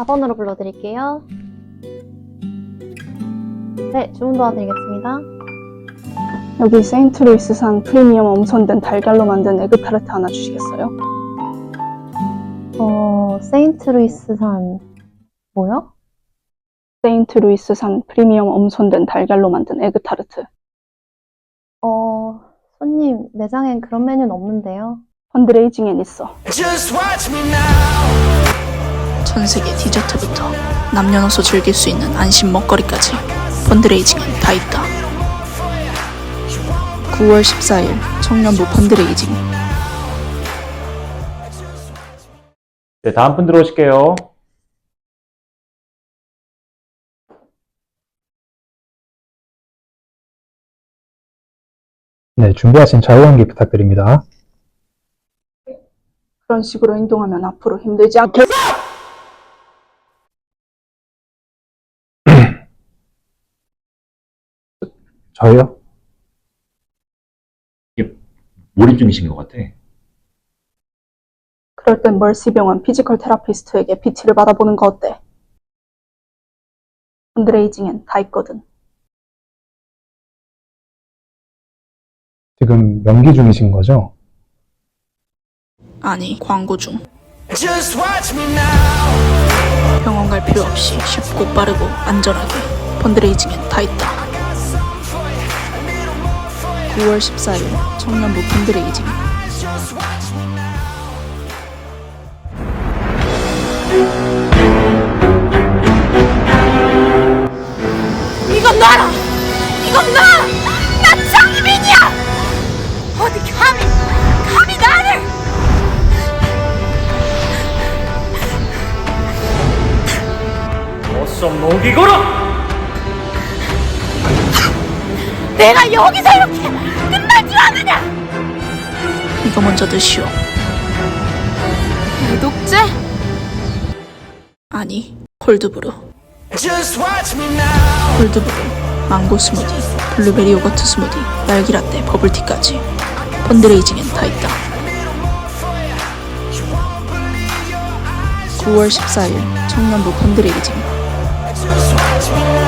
4번으로 불러드릴게요. 네, 주문 도와드리겠습니다. 여기 세인트루이스산 프리미엄 엄선된 달걀로 만든 에그타르트 하나 주시겠어요? 세인트루이스산 뭐요? 세인트루이스산 프리미엄 엄선된 달걀로 만든 에그타르트. 손님, 매장엔 그런 메뉴는 없는데요. 펀드레이징엔 있어. 전 세계 디저트부터 남녀노소 즐길 수 있는 안심 먹거리까지 펀드레이징엔 다 있다. 9월 14일 청년부 펀드레이징. 네, 다음 분 들어오실게요. 네, 준비하신 자유연기 부탁드립니다. 그런 식으로 행동하면 앞으로 힘들지 않겠어? 저요? 몰입 중이신 것 같아. 그럴 땐 멀시병원 피지컬 테라피스트에게 PT를 받아보는 거 어때? 펀드레이징엔 다 있거든. 지금 연기 중이신 거죠? 아니, 광고 중. 병원 갈 필요 없이 쉽고 빠르고 안전하게 펀드레이징엔 다 있다. 9월 14일 청년부 펀드레이징. 이건 놔라! 이건 놔! 나 장희빈이야! 어디 감히 나를! 어서 목이 걸어! 내가 여기서 이렇게 끝날 줄 아느냐! 이거 먼저 드시오. 구독제? 아니, 콜드브루. 콜드브루, 망고 스무디, 블루베리 요거트 스무디, 딸기라떼, 버블티까지 펀드레이징엔 다 있다. 9월 14일 청년부 펀드레이징.